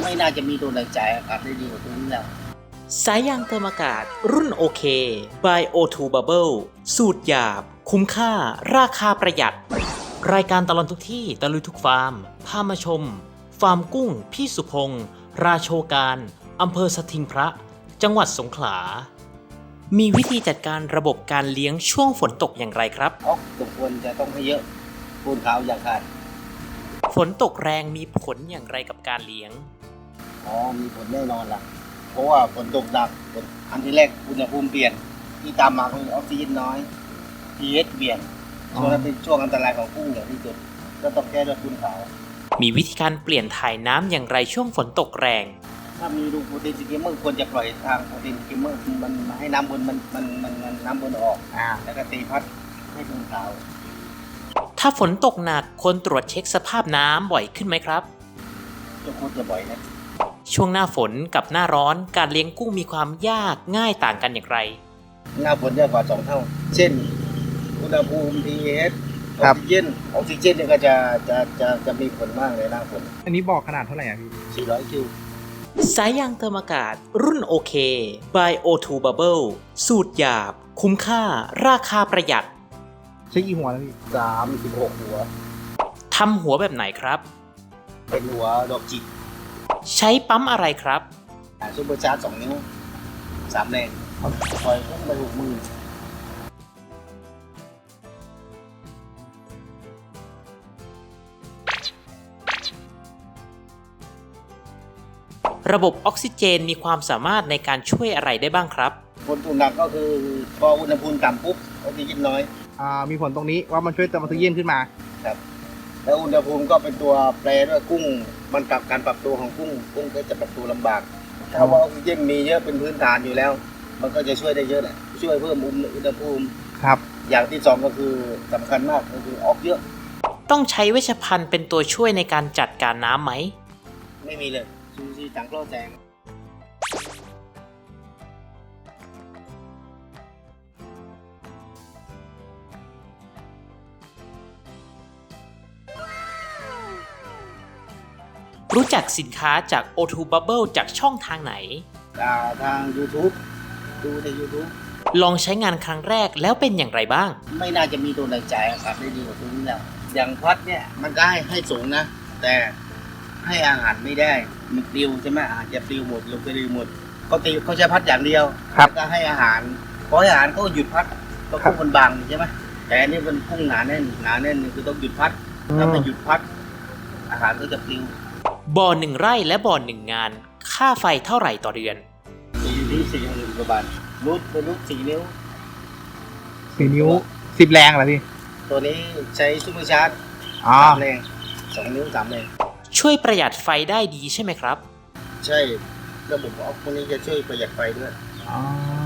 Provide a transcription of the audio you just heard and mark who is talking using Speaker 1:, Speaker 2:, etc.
Speaker 1: ไม่น่าจะมีตัวไหนจ่ายอากาศได้ดีกว่าตัวนี้แล้ว
Speaker 2: สายยางเติมอากาศรุ่นโอเค by O2 Bubble สูตรหยาบ คุ้มค่า ราคาประหยัด รายการตลอดทุกที่ตะลุยทุกฟาร์ม พามาชม ฟาร์มกุ้ง พี่สุพงศ์ราโชการอำเภอสถิงพระ จังหวัดสงขลา มีวิธีจัดการระบบการเลี้ยงช่วงฝนตกอย่างไรครับ
Speaker 1: สมควรจะต้องให้เยอะปูนขาวอย่างขาด
Speaker 2: ฝนตกแรงมีผลอย่างไรกับการเลี้ยง
Speaker 1: มีผลแน่นอนล่ะเพราะว่าฝนตกหนักอันที่แรกอุณหภูมิเปลี่ยนที่ตามมาคือออกซิเจนน้อย pH เปลี่ยนช่วงนั้นเป็นช่วงอันตรายของกุ้งอย่างที่สุดก็ต้องแก้ด้วยปูนขาว
Speaker 2: มีวิธีการเปลี่ยนถ่ายน้ำอย่างไรช่วงฝนตกแรง
Speaker 1: ถ้ามีรูโปรตีนสกิมเมอร์ควรจะปล่อยทางโปรตีนสกิมเมอร์มันให้น้ำบนมันน้ำบนออกแล้วก็ตีพัดให้ปูนขาว
Speaker 2: ถ้าฝนตกหนักควรตรวจเช็คสภาพน้ำบ่อยขึ้นไหมครับ
Speaker 1: ก็ควรจะบ่อยนะ
Speaker 2: ช่วงหน้าฝนกับหน้าร้อนการเลี้ยงกุ้งมีความยากง่ายต่างกันอย่างไร
Speaker 1: หน้าฝนเยอะกว่า2 เท่าเช่นอุณหภูมิ pH ออกซิเจนเนี่ยก็จะมีผลมากเลยหน้าฝน
Speaker 3: อันนี้บอกขนาดเท่าไหร่อ่ะพี่
Speaker 1: 400 คิว
Speaker 2: สายยางเติมอากาศรุ่นโอเค by O2 Bubble สูตรหยาบ คุ้มค่า ราคาประหยัด
Speaker 3: ใช้กี่หัวแล้วพี่
Speaker 1: 36 หัว
Speaker 2: ทำหัวแบบไหนครับ
Speaker 1: เป็นหัวดอกจิก
Speaker 2: ใช้ปั๊มอะไรครับ
Speaker 1: ซุปเปอร์ชาร์จ2 นิ้ว 3 แรงปล่อยพุ่งไป6 มือ
Speaker 2: ระบบออกซิเจนมีความสามารถในการช่วยอะไรได้บ้างครับ
Speaker 1: ฝนตกหนักก็คือพออุณหภูมิต่ำปุ๊บออกซิเจนน้อย
Speaker 3: มีผลตรงนี้ว่ามันช่วยเติมออกซิเจนขึ้นมา
Speaker 1: ครับแล้วอุณหภูมิก็เป็นตัวแปรด้วยกุ้งมันปรับการปรับตัวของกุ้งก็จะปรับตัวลำบากถ้าว่าออกซิเจนมีเยอะเป็นพื้นฐานอยู่แล้ว มันก็จะช่วยได้เยอะแหละช่วยเพิ่มอุณหภูมิ
Speaker 3: ครับ
Speaker 1: อย่างที่2ก็คือสำคัญมากก็คือออกเยอะ
Speaker 2: ต้องใช้เวชภัณฑ์เป็นตัวช่วยในการจัดการน้ำไหม
Speaker 1: ไม่มีเลยซูซีจังโกลแจง
Speaker 2: รู้จักสินค้าจาก O2 Bubble จากช่องทางไหน
Speaker 1: ทาง YouTube ดูใน YouTube
Speaker 2: ลองใช้งานครั้งแรกแล้วเป็นอย่างไรบ้าง
Speaker 1: ไม่น่าจะมีตัวไหนจ่ายอากาศได้ดีกว่าตัวนี้แล้วอย่างพัดเนี่ยมันก็ให้สูงนะ แต่ให้อาหารไม่ได้มันปลิวใช่ไหมอาหารจะปลิวหมดลงไปปลิวหมดเขาใช้พัดอย่างเดียว
Speaker 3: ครับ
Speaker 1: แล้วก็ให้อาหารพอให้อาหารเขาก็หยุดพัดก็กุ้งมันบางใช่ไหมแต่อันนี้มันกุ้งหนาแน่นนี่คือต้องหยุดพัดถ้าไม่หยุดพัด อาหารก็จะปลิว
Speaker 2: บ่อ1 ไร่และบ่อ1 งาน ค่าไฟเท่าไหร่ต่อเดือน
Speaker 1: อยู่ที่40,000 กว่าบาทรูท4 นิ้ว
Speaker 3: 4 นิ้ว 10 แรงเหรอพี่
Speaker 1: ตัวนี้ใช้ซุปเปอร์ชาร์จ 3 แรง 2 นิ้ว 3 แรง
Speaker 2: ช่วยประหยัดไฟได้ดีใช่ไหมครับ
Speaker 1: ใช่ระบบออฟพวกนี้จะช่วยประหยัดไฟด้วย
Speaker 3: อ๋อ